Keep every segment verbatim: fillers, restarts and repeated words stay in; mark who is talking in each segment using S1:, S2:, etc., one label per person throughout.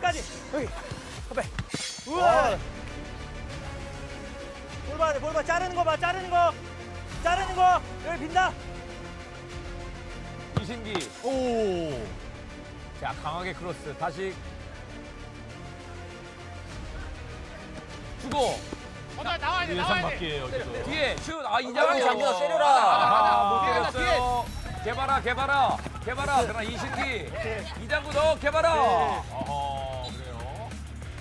S1: 여기까지. 여기. 앞에. 우와. 볼 봐, 볼 봐. 자르는 거 봐, 자르는 거. 자르는 거. 여기 빈다.
S2: 이신기. 오. 자, 강하게 크로스. 다시. 주고.
S3: 나와야 돼,
S4: 예상 밖이에요, 지금.
S2: 뒤에 슛. 아, 이장이
S1: 장기가 세려라.
S2: 아, 못 때렸어요. 개발아, 개발아. 개발아. 그러나 이신기. 이장구 너 개발아. 어허, 그래요.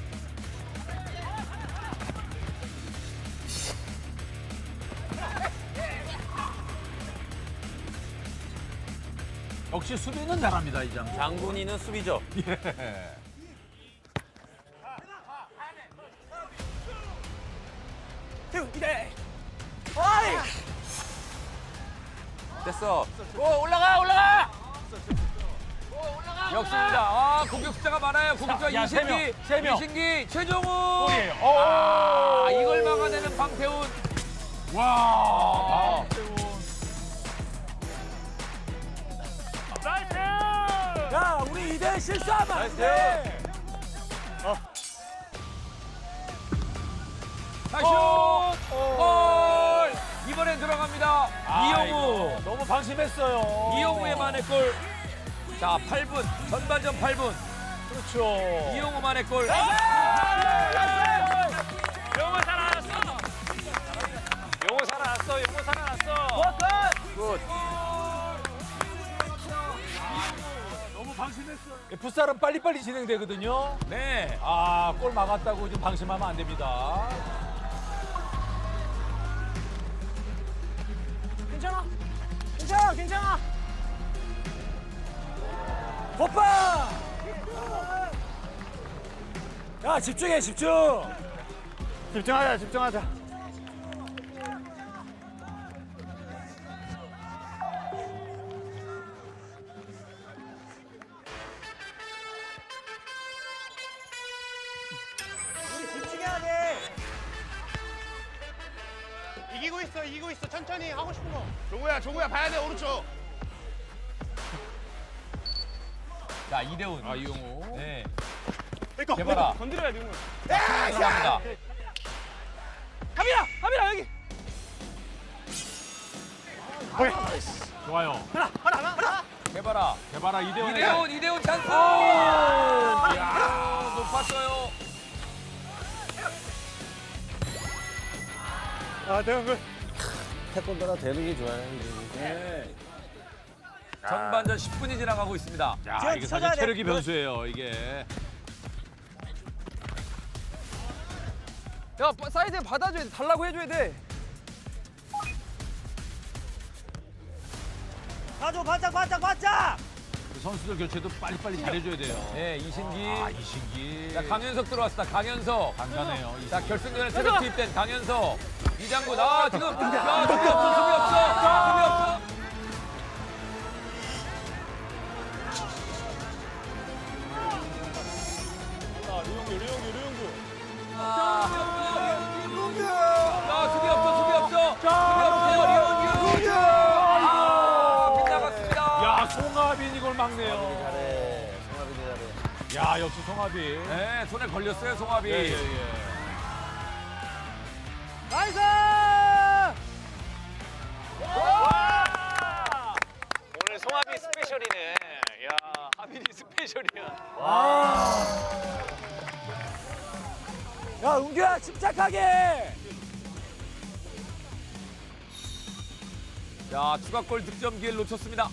S4: 역시 수비는 잘합니다, 이장.
S1: 장군이는 수비죠.
S4: 예.
S1: 태우, 이래. 어이.
S2: 됐어. 오, 올라가, 올라가. 역습니다. 아, 공격 숫자가 많아요. 공격수가
S4: 야, 세 명,
S2: 이신기,
S4: 세 명.
S2: 이신기, 최종훈.
S4: 골이에요.
S2: 아, 이걸 막아내는 방태훈.
S4: 와.
S3: 나이스!
S1: 야, 우리 이대 실수하면 안 돼.
S2: 다시 슛! 골! 이번엔 들어갑니다. 이영우.
S4: 아이고, 너무 방심했어요.
S2: 이영우의 만의 골. 자, 팔 분. 전반전 팔 분.
S4: 그렇죠.
S2: 이영우 만의 골.
S3: 영호 살아났어! 영호 살아났어, 영호 살아났어!
S2: 굿.
S4: 너무 방심했어요. 풋살은 빨리빨리 진행되거든요.
S2: 네.
S4: 아, 골 막았다고 좀 방심하면 안 됩니다.
S1: 괜찮아. 괜찮아, 괜찮아. 오빠! 야, 집중해, 집중.
S3: 집중하자, 집중하자.
S1: 우리 집중해야 돼.
S3: 이기고 있어, 이기고 있어. 천천히 하고 싶은 거. 종우야, 종우야, 봐야 돼, 오른쪽.
S2: 자, 이대훈.
S4: 아, 이용호.
S2: 네.
S3: 내꺼,
S2: 개발아.
S3: 건드려야 돼, 종우.
S2: 들어갑니다.
S1: 하빈아, 하빈아 여기.
S4: 좋아요.
S2: 개발아.
S4: 개발아 이대훈.
S2: 이대훈, 이대훈 찬스. 이야, 높았어요.
S3: 아, 대형 그.
S5: 태권도라 되는 게 좋아요.
S1: 네.
S2: 전반전 십 분이 지나가고 있습니다.
S4: 자,
S1: 지금
S4: 이게
S1: 쳐줘야
S4: 사실
S1: 돼.
S4: 체력이 변수예요, 이게.
S6: 야, 사이드에 받아줘야 돼. 달라고 해줘야 돼.
S1: 가줘, 바짝, 바짝, 바짝.
S4: 그 선수들 교체도 빨리빨리 잘해줘야 돼요.
S2: 네, 이신기.
S4: 아, 이신기.
S2: 자, 강현석 들어왔습니다. 강현석.
S4: 강하네요.
S2: 자, 결승전에 새로 투입된 강현석. 이장군. 아, 지금. 야, 수비 없어, 수비 없어. 수비 없어. 아, 수비 없어, 수비 없어. 수비 없어요, 리온규. 아, 빗나갔습니다.
S4: 야, 송하빈 이걸 막네요.
S5: 잘해. 송하빈이 잘해.
S4: 야, 역시 송하빈.
S2: 네, 손에 걸렸어요, 송하빈.
S4: 예, 예, 예.
S1: 나이스!
S3: 오늘 송하빈 스페셜이네. 야, 하빈이 스페셜이야.
S1: 야, 은규야, 침착하게.
S2: 자, 추가골 득점 기회를 놓쳤습니다.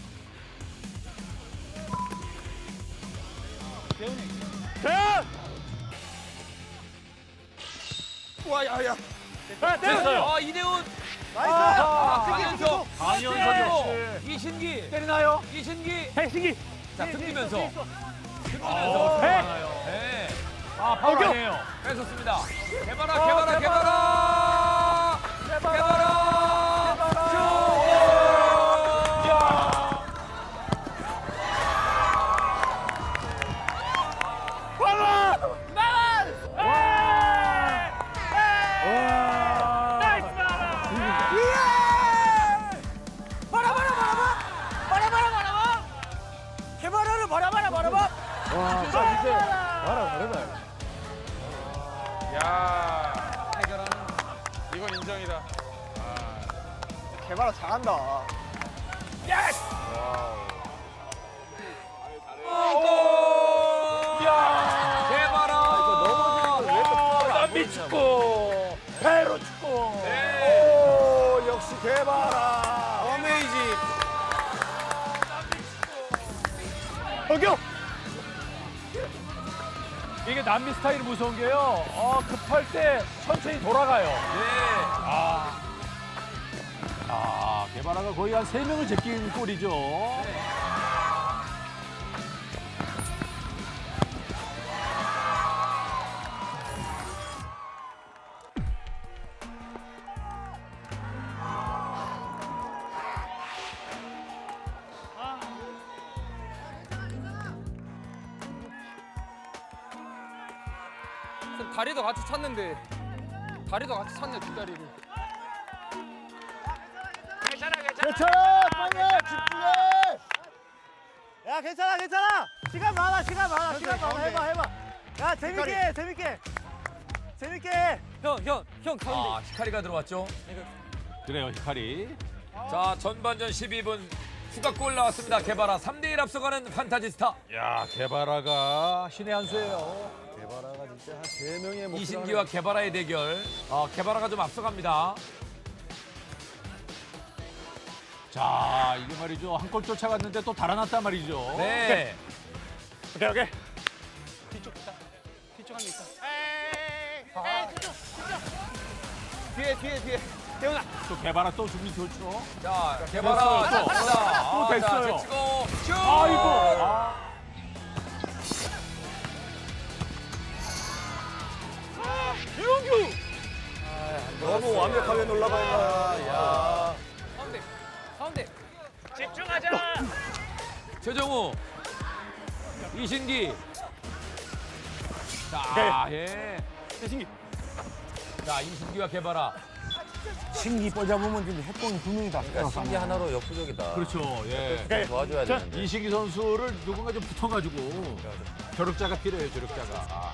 S3: 대현!
S1: 와, 야, 야.
S4: 됐어요.
S2: 아, 이대훈.
S1: 나이스.
S2: 아, 강현석.
S4: 강현석 역시.
S2: 이신기.
S4: 때리나요?
S2: 이신기.
S3: 해승기.
S2: 자, 등기면서.
S4: 어,
S2: 등기면서.
S4: 많아요.
S2: 네.
S4: 아, 파울 아니에요.
S2: 뺏었습니다. 개발아, 개발아, 개발아. 개발아.
S1: 개발하는 바라봐라, 바라봐.
S4: 와, 자, 이제 개발아 다르다.
S3: 야. 해결하는. 이건 인정이다.
S6: 개발아 잘한다.
S2: 개발아.
S4: 남미 축구. 배로 축구.
S5: 오, 역시 개발아. 어메이징.
S4: 어겨. 이게 남미 스타일이 무서운 게요. 어, 급할 때 천천히 돌아가요. 아. 아, 개발아가 거의 한 세 명을 제낀 꼴이죠.
S6: 쌤, 다리도 같이 찼는데 다리도 같이 찼네 두 다리를.
S5: 괜찮아, 빨리 집중해.
S1: 야 괜찮아 괜찮아. 시간 많아 시간 많아 시간 많아 해봐 해봐. 야 재밌게 해, 재밌게 해. 재밌게 해.
S6: 형, 형, 형 가운데.
S2: 아, 히카리가 들어왔죠.
S4: 그래요, 히카리.
S2: 자, 전반전 십이 분 추가골 나왔습니다. 개발아 삼 대 일 앞서가는 판타지스타.
S4: 야, 개발아가 신의 한 수예요.
S5: 개발아가 진짜 한 세 명의 목표를
S2: 이신기와 개발아의 대결. 어, 개발아가 좀 앞서갑니다.
S4: 자, 이게 말이죠. 한 골 쫓아갔는데 또 달아났단 말이죠.
S2: 네.
S4: 오케이, 오케이.
S3: 뒤쪽 있다. 뒤쪽 한개 있다. 에이, 에이, 뒤쪽, 뒤쪽. 뒤에, 뒤에, 뒤에. 대훈아.
S4: 또 개발아 또 준비 좋죠.
S2: 자, 개발아.
S4: 됐어요, 또.
S2: 자,
S4: 또 됐어요.
S2: 자, 제치고 슛!
S4: 아이고. 아.
S5: 너무 완벽하게 놀라가 있다. 야.
S6: 가운데, 가운데.
S3: 집중하자.
S2: 최정우. 이신기. 자, 예.
S4: 이신기.
S2: 자, 이신기와 개발아.
S5: 신기 뻗잡으면 지금 핵공이 두 명이다.
S7: 그러니까 신기 하나로 역부족이다.
S4: 그렇죠. 예.
S7: 도와줘야 되는데.
S4: 이신기 선수를 누군가 좀 붙어가지고 저력자가 필요해요. 저력자가. 아.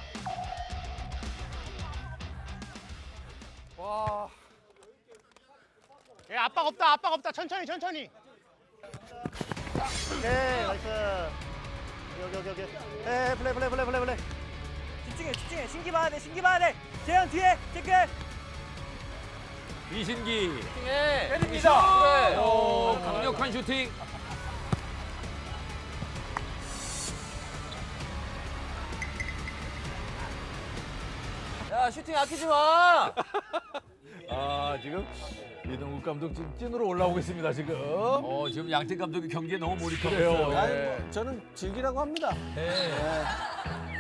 S6: 와.
S3: 예, 압박 없다, 압박 없다. 천천히, 천천히.
S1: 오케이 나이스. 여기 여기 여기. 에 플레이 플레이 플레이 플레이 플레이. 집중해 집중해. 신기 봐야 돼 신기 봐야 돼. 재현 뒤에 체크.
S2: 이신기.
S6: 해.
S2: 때립니다.
S6: 그래.
S2: 오, 강력한 슈팅.
S7: 야 슈팅 아끼지 마.
S4: 아, 지금 이동국 감독 지금 찐으로 올라오고 있습니다. 지금.
S2: 어, 지금 양팀 감독이 경기에 너무 몰입하고
S4: 그래요.
S2: 있어요.
S5: 아니, 뭐 저는 즐기라고 합니다.
S2: 네.